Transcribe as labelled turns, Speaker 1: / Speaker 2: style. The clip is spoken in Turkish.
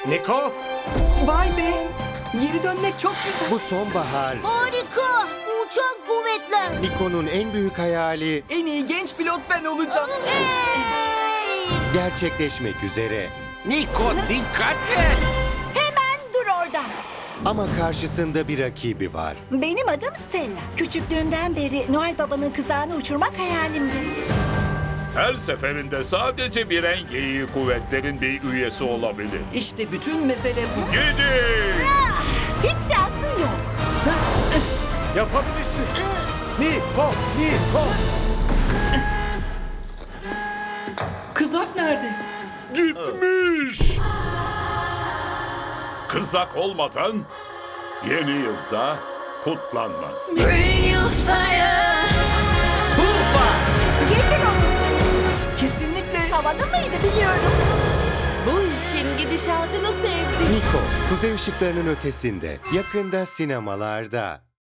Speaker 1: Niko,
Speaker 2: Vay be! Geri dönmek çok güzel.
Speaker 3: Bu sonbahar
Speaker 4: Harika! Uçan kuvvetler.
Speaker 3: Niko'nun en büyük hayali
Speaker 2: En iyi genç pilot ben olacağım.
Speaker 4: Hey!
Speaker 3: gerçekleşmek üzere.
Speaker 5: Niko dikkat et.
Speaker 4: Hemen dur orada.
Speaker 3: Ama karşısında bir rakibi var.
Speaker 4: Benim adım Stella. Küçüklüğümden beri Noel Baba'nın kızağını uçurmak hayalimdi.
Speaker 6: Her seferinde sadece bir en geyiği kuvvetlerin bir üyesi olabilir.
Speaker 2: İşte bütün mesele bu.
Speaker 6: Gidin!
Speaker 4: Hiç şansın yok.
Speaker 1: yapabilirsin. Niko, Niko.
Speaker 2: Kızak nerede?
Speaker 6: Gitmiş! Kızak olmadan yeni yılda kutlanmaz.
Speaker 4: Getir onu.
Speaker 2: Kesinlikle.
Speaker 4: Havalı mıydı biliyorum.
Speaker 7: Bu işin gidişatını sevdim.
Speaker 3: Niko, kuzey ışıklarının ötesinde, yakında sinemalarda.